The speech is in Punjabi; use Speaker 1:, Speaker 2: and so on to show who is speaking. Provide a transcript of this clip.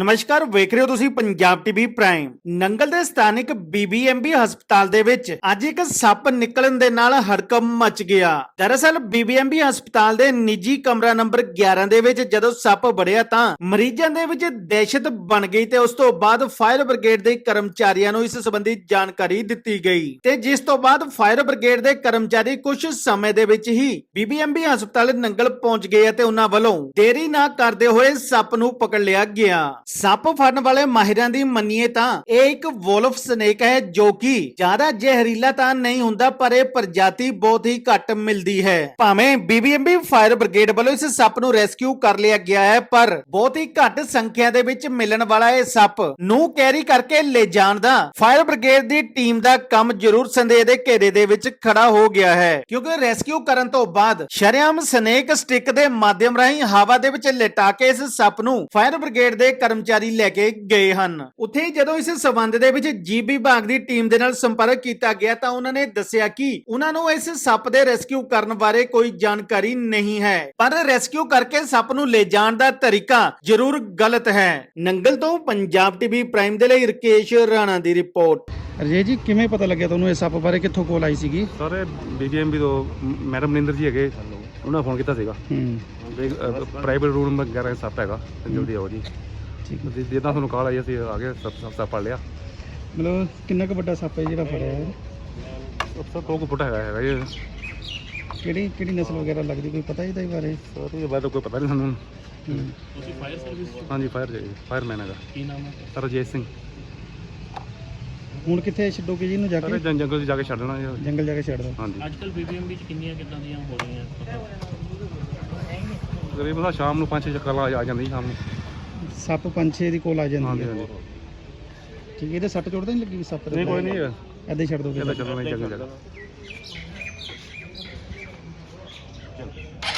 Speaker 1: ਨਮਸਕਾਰ, ਵੇਖ ਰਹੇ ਹੋ ਤੁਸੀਂ ਪੰਜਾਬ ਟੀਵੀ ਪ੍ਰਾਈਮ। ਨੰਗਲ ਦੇ ਸਥਾਨਿਕ ਬੀਬੀਐਮਬੀ ਹਸਪਤਾਲ ਦੇ ਵਿੱਚ ਅੱਜ ਇੱਕ ਸੱਪ ਨਿਕਲਣ ਦੇ ਨਾਲ ਹੜਕੰਪ ਮਚ ਗਿਆ। ਦਰਅਸਲ ਬੀਬੀਐਮਬੀ ਹਸਪਤਾਲ ਦੇ ਨਿੱਜੀ ਕਮਰਾ ਨੰਬਰ 11 ਦੇ ਵਿੱਚ ਜਦੋਂ ਸੱਪ ਵੜਿਆ ਤਾਂ ਮਰੀਜ਼ਾਂ ਦੇ ਵਿੱਚ ਦਹਿਸ਼ਤ ਬਣ ਗਈ ਤੇ ਉਸ ਤੋਂ ਬਾਅਦ ਫਾਇਰ ਬ੍ਰਿਗੇਡ ਦੇ ਕਰਮਚਾਰੀਆਂ ਨੂੰ ਇਸ ਸੰਬੰਧੀ ਜਾਣਕਾਰੀ ਦਿੱਤੀ ਗਈ ਤੇ ਜਿਸ ਤੋਂ ਬਾਅਦ ਫਾਇਰ ਬ੍ਰਿਗੇਡ ਦੇ ਕਰਮਚਾਰੀ ਕੁਝ ਸਮੇਂ ਦੇ ਵਿੱਚ ਹੀ ਬੀਬੀਐਮਬੀ ਹਸਪਤਾਲ ਨੰਗਲ ਪਹੁੰਚ ਗਏ ਤੇ ਉਹਨਾਂ ਵੱਲੋਂ ਦੇਰੀ ਨਾ ਕਰਦੇ ਹੋਏ ਸੱਪ ਨੂੰ ਪਕੜ ਲਿਆ ਗਿਆ। ਸੱਪ ਫੜਨ ਵਾਲੇ ਮਾਹਿਰਾਂ ਦੀ ਮੰਨੀਏ ਤਾਂ ਇਹ ਇੱਕ ਵੋਲਫ ਸਨੇਕ ਹੈ ਜੋ ਕਿ ਜ਼ਿਆਦਾ ਜ਼ਹਿਰੀਲਾ ਤਾਂ ਨਹੀਂ ਹੁੰਦਾ, ਪਰ ਇਹ ਪ੍ਰਜਾਤੀ ਬਹੁਤ ਹੀ ਘੱਟ ਮਿਲਦੀ ਹੈ। ਭਾਵੇਂ ਬੀਬੀਐਮਬੀ ਫਾਇਰ ਬ੍ਰਿਗੇਡ ਵੱਲੋਂ ਇਸ ਸੱਪ ਨੂੰ ਰੈਸਕਿਊ ਕਰ ਲਿਆ ਗਿਆ ਹੈ, ਪਰ ਬਹੁਤ ਹੀ ਘੱਟ ਸੰਖਿਆ ਦੇ ਵਿੱਚ ਮਿਲਣ ਵਾਲਾ ਇਹ ਸੱਪ ਨੂੰ ਕੈਰੀ ਕਰਕੇ ਲੈ ਜਾਣ ਦਾ ਫਾਇਰ ਬ੍ਰਿਗੇਡ ਦੀ ਟੀਮ ਦਾ ਕੰਮ ਜ਼ਰੂਰ ਸੰਦੇਹ ਦੇ ਘੇਰੇ ਦੇ ਵਿੱਚ ਖੜਾ ਹੋ ਗਿਆ ਹੈ, ਕਿਉਂਕਿ ਰੈਸਕਿਊ ਕਰਨ ਤੋਂ ਬਾਅਦ ਸ਼ਰੇਆਮ ਸਨੇਕ ਸਟਿਕ ਦੇ ਮਾਧਿਅਮ ਰਾਹੀਂ ਹਵਾ ਦੇ ਵਿੱਚ ਲਿਟਾ ਕੇ ਇਸ ਸੱਪ ਨੂੰ ਫਾਇਰ ਬ੍ਰਿਗੇਡ ਦੇ ਕਰਮਚਾਰੀ ਲੈ ਕੇ ਗਏ ਹਨ। ਉੱਥੇ ਹੀ ਜਦੋਂ ਇਸ ਸਬੰਧ ਦੇ ਵਿੱਚ ਜੀਵ ਵਿਭਾਗ ਦੀ ਟੀਮ ਦੇ ਨਾਲ ਸੰਪਰਕ ਕੀਤਾ ਗਿਆ ਤਾਂ ਉਹਨਾਂ ਨੇ ਦੱਸਿਆ ਕਿ ਉਹਨਾਂ ਨੂੰ ਇਸ ਸੱਪ ਦੇ ਰੈਸਕਿਊ ਕਰਨ ਬਾਰੇ ਕੋਈ ਜਾਣਕਾਰੀ ਨਹੀਂ ਹੈ, ਪਰ ਰੈਸਕਿਊ ਕਰਕੇ ਸੱਪ ਨੂੰ ਲੈ ਜਾਣ ਦਾ ਤਰੀਕਾ ਜ਼ਰੂਰ ਗਲਤ ਹੈ। ਨੰਗਲ ਤੋਂ ਪੰਜਾਬ ਟੀਵੀ ਪ੍ਰਾਈਮ ਦੇ ਲਈ ਰਕੇਸ਼ ਰਾਣਾ ਦੀ ਰਿਪੋਰਟ।
Speaker 2: ਅਜੇ ਜੀ ਕਿਵੇਂ ਪਤਾ ਲੱਗਿਆ ਤੁਹਾਨੂੰ ਇਸ ਸੱਪ ਬਾਰੇ, ਕਿੱਥੋਂ ਕੋਲ ਆਈ ਸੀਗੀ?
Speaker 3: ਸਰ ਬੀਬੀਐਮਬੀ ਤੋਂ ਮੈਡਮ ਮਨਿੰਦਰ ਜੀ ਹੈਗੇ, ਉਹਨਾਂ ਫੋਨ ਕੀਤਾ ਸੀਗਾ। ਪ੍ਰਾਈਵੇਟ ਰੂਮ ਵਗੈਰਾ ਸੱਪ ਹੈਗਾ, ਜਲਦੀ ਆਓ ਜੀ।
Speaker 2: ਠੀਕ ਹੈ।
Speaker 3: ਜਿੱਦਾਂ ਤੁਹਾਨੂੰ ਕਾਲ ਆਈ ਅਸੀਂ ਆ ਗਏ, ਸੱਪ ਫੜ ਲਿਆ।
Speaker 2: ਮਤਲਬ ਕਿੰਨਾ ਕੁ ਵੱਡਾ ਸੱਪ ਹੈ ਜਿਹੜਾ ਫੜਿਆ ਹੈ?
Speaker 3: ਸਰ 2 ਫੁੱਟ ਹੈਗਾ ਜੀ।
Speaker 2: ਕਿਹੜੀ ਨਸਲ ਵਗੈਰਾ ਲੱਗਦੀ, ਕੋਈ ਪਤਾ ਇਹਦੇ ਬਾਰੇ?
Speaker 3: ਸਰ ਇਹ ਬਾਰੇ ਕੋਈ ਪਤਾ ਨਹੀਂ ਸਾਨੂੰ।
Speaker 4: ਤੁਸੀਂ ਫਾਇਰ ਸਰਵਿਸ
Speaker 3: ਹਾਂਜੀ ਫਾਇਰਮੈਨ ਹੈਗਾ।
Speaker 4: ਕੀ ਨਾਮ ਹੈ?
Speaker 3: ਸਰ ਅਜੇ ਸਿੰਘ।
Speaker 2: ਹੁਣ ਕਿੱਥੇ ਛੱਡੋਗੇ ਜੀ ਇਹਨੂੰ ਜਾ
Speaker 3: ਸਰ
Speaker 2: ਕੇ?
Speaker 3: ਜੰਗਲ 'ਚ ਜਾ ਕੇ ਛੱਡ ਦੇਣਾ ਜੀ।
Speaker 2: ਜੰਗਲ ਜਾ ਕੇ ਛੱਡ ਦੋ।
Speaker 3: ਹਾਂਜੀ
Speaker 4: ਅੱਜ ਕੱਲ ਬੀਬੀਐਮਬੀ ਚ ਕਿੰਨੀਆਂ ਕਿੱਦਾਂ ਦੀਆਂ ਹੋ ਰਹੀਆਂ?
Speaker 3: ਤਕਰੀਬਨ ਸ਼ਾਮ ਨੂੰ 5-6 ਚੱਕਰ ਆ ਜਾਂਦੀ ਸ਼ਾਮ ਨੂੰ।
Speaker 2: ਸੱਪ 5-6 ਦੀ ਕੋਲ ਆ ਜਾਂਦੀ
Speaker 3: ਹਾਂਜੀ
Speaker 2: ਹੈ।
Speaker 3: ਹਾਂਜੀ
Speaker 2: ਠੀਕ ਹੈ। ਇਹਦੇ ਸੱਟ ਚੋਟ ਤਾਂ ਨਹੀਂ ਲੱਗੀ ਸੱਪ ਦੇ?
Speaker 3: ਨਹੀਂ ਕੋਈ ਨਹੀਂ,
Speaker 2: ਏਦਾਂ ਹੀ ਛੱਡ ਦੋਗੇ?
Speaker 3: ਇਹਦਾ ਚੱਲਣਾ ਜੰਗਲ ਜਗ੍ਹਾ।